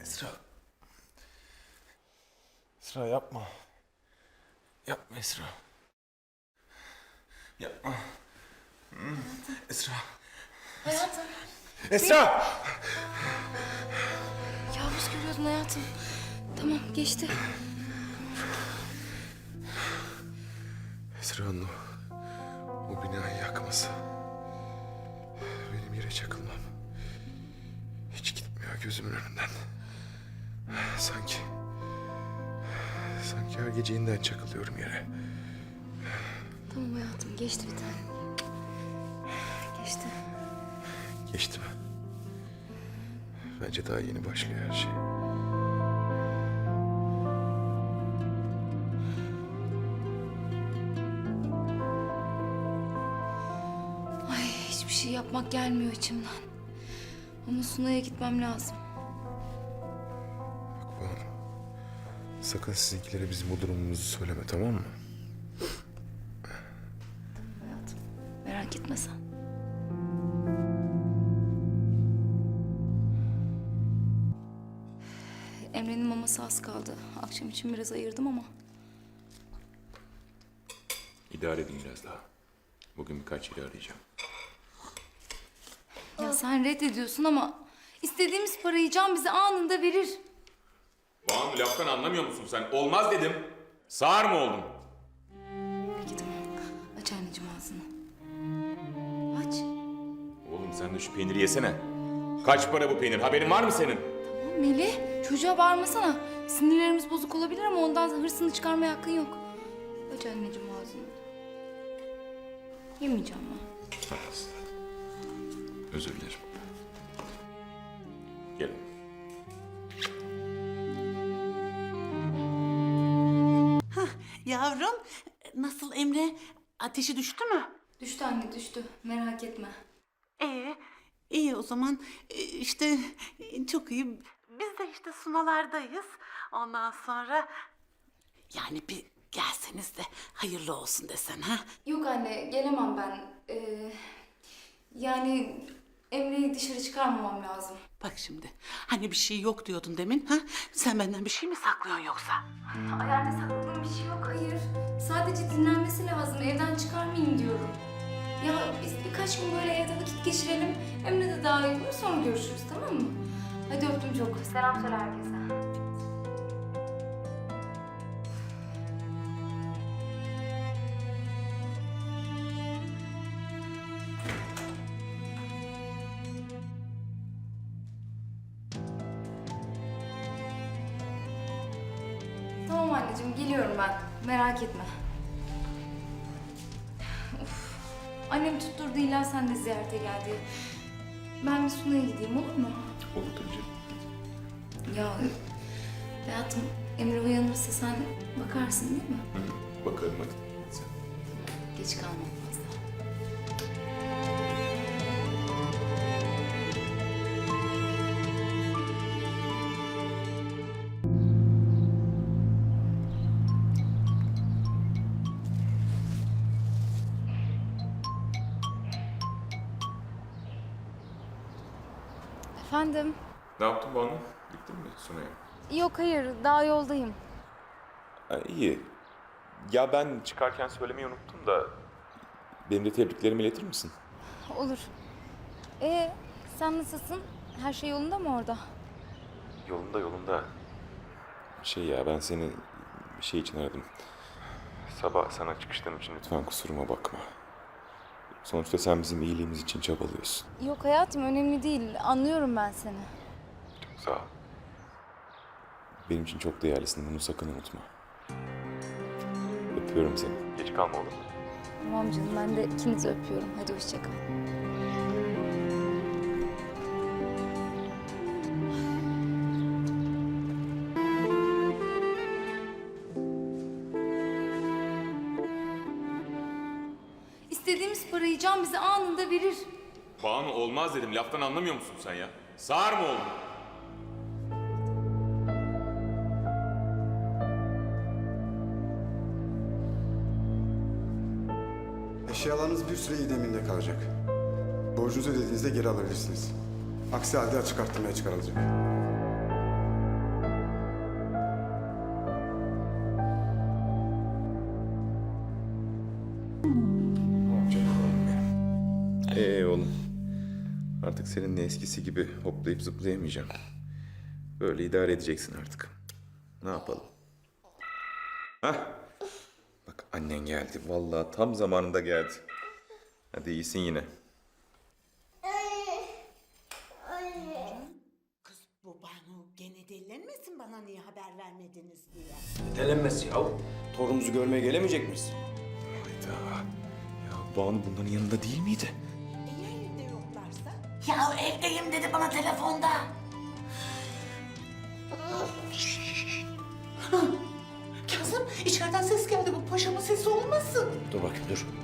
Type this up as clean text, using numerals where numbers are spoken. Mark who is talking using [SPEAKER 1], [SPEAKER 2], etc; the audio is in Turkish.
[SPEAKER 1] Esra. Esra yapma. Yapma Esra. Yapma. Esra.
[SPEAKER 2] Hayatım.
[SPEAKER 1] Esra!
[SPEAKER 2] Kabus görüyordun hayatım. Tamam geçti.
[SPEAKER 1] Esra'nın o binayı yakması. Benim yere çakılmam. Hiç gitmiyor gözümün önünden. Sanki her gece yeniden çakılıyorum yere.
[SPEAKER 2] Tamam hayatım geçti bir tane. Geçti.
[SPEAKER 1] Geçti mi? Bence daha yeni başlıyor her şey.
[SPEAKER 2] Ay hiçbir şey yapmak gelmiyor içimden. Ama Sunay'a gitmem lazım.
[SPEAKER 1] Bak Banu, sakın sizinkilere bizim bu durumumuzu söyleme, tamam mı?
[SPEAKER 2] Tamam hayatım. Merak etme sen. Emre'nin maması az kaldı. Akşam için biraz ayırdım ama.
[SPEAKER 1] İdare edin biraz daha. Bugün birkaç yeri arayacağım.
[SPEAKER 2] Ya sen reddediyorsun ama istediğimiz parayı Can bize anında verir.
[SPEAKER 3] Banu laftan anlamıyor musun sen? Olmaz dedim. Sağır mı oldun?
[SPEAKER 2] Peki tamam. Aç anneciğim ağzını. Aç.
[SPEAKER 3] Oğlum sen de şu peyniri yesene. Kaç para bu peynir? Haberin var mı senin?
[SPEAKER 2] Tamam Melih. Çocuğa bağırmasana. Sinirlerimiz bozuk olabilir ama ondan hırsını çıkarmaya hakkın yok. Aç anneciğim ağzını. Yemeyeceğim ben.
[SPEAKER 1] Özür dilerim.
[SPEAKER 3] Gelin.
[SPEAKER 4] Yavrum, nasıl Emre? Ateşi düştü mü?
[SPEAKER 2] Düştü anne düştü. Merak etme.
[SPEAKER 4] İyi o zaman. İşte çok iyi. Biz de işte sunalardayız. Ondan sonra... Yani bir gelseniz de hayırlı olsun desen ha?
[SPEAKER 2] Yok anne gelemem ben. Yani Emre'yi dışarı çıkarmamam lazım.
[SPEAKER 4] Bak şimdi, hani bir şey yok diyordun demin ha? Sen benden bir şey mi saklıyorsun yoksa?
[SPEAKER 2] Ay anne sakladığım bir şey yok hayır. Sadece dinlenmesi lazım. Evden çıkarmayayım diyorum. Ya biz birkaç gün böyle evde vakit geçirelim. Emre de daha iyi olur. Sonra görüşürüz tamam mı? Hadi öptüm çok. Selam söyle herkese. Tamam anneciğim geliyorum ben. Merak etme. Of. Annem tutturdu illa sen de ziyarete geldi. Ben bir Sunay'a gideyim olur mu?
[SPEAKER 1] Olur tabii canım.
[SPEAKER 2] Ya hayatım Emre uyanırsa sen bakarsın değil mi?
[SPEAKER 1] Bakarım hadi. Sen.
[SPEAKER 2] Geç kalmam fazla. Efendim?
[SPEAKER 1] Ne yaptın Banu? Gittin mi Sunay'a?
[SPEAKER 2] Yok hayır daha yoldayım.
[SPEAKER 1] İyi. Ya ben çıkarken söylemeyi unuttum da... Benim de tebriklerimi iletir misin?
[SPEAKER 2] Olur. Sen nasılsın? Her şey yolunda mı orada?
[SPEAKER 1] Yolunda yolunda. Ben seni bir şey için aradım. Sabah sana çıkıştığım için lütfen kusuruma bakma. Sonuçta sen bizim iyiliğimiz için çabalıyorsun.
[SPEAKER 2] Yok hayatım önemli değil. Anlıyorum ben seni.
[SPEAKER 1] Çok sağ ol. Benim için çok değerlisin. Bunu sakın unutma. Öpüyorum seni. Geç kalma olur mu?
[SPEAKER 2] Tamam canım ben de ikinizi öpüyorum. Hadi hoşça kal. İstediğimiz parayı Can bize anında verir.
[SPEAKER 3] Banu olmaz dedim. Laftan anlamıyor musun sen ya? Sağır mı oldun?
[SPEAKER 5] Eşyalarınız bir süre ideminde kalacak. Borcunuzu ödediğinizde geri alabilirsiniz. Aksi halde açık arttırmaya çıkarılacak.
[SPEAKER 1] artık seninle eskisi gibi hoplayıp zıplayamayacağım. Böyle idare edeceksin artık. Ne yapalım? Hah. Bak annen geldi. Vallahi tam zamanında geldi. Hadi iyisin yine.
[SPEAKER 4] Kız bu Banu gene delilenmesin bana niye haber vermediniz diye.
[SPEAKER 6] Delenmez ya. Torunumuzu görmeye gelemeyecek miyiz?
[SPEAKER 1] Hayda. Ya Banu bunların yanında değil miydi?
[SPEAKER 4] Ya evde yoklarsa? Ya evdeyim dedi bana telefonda. Kazım içeriden ses geldi bu paşamın sesi olmasın.
[SPEAKER 6] Dur bakayım dur.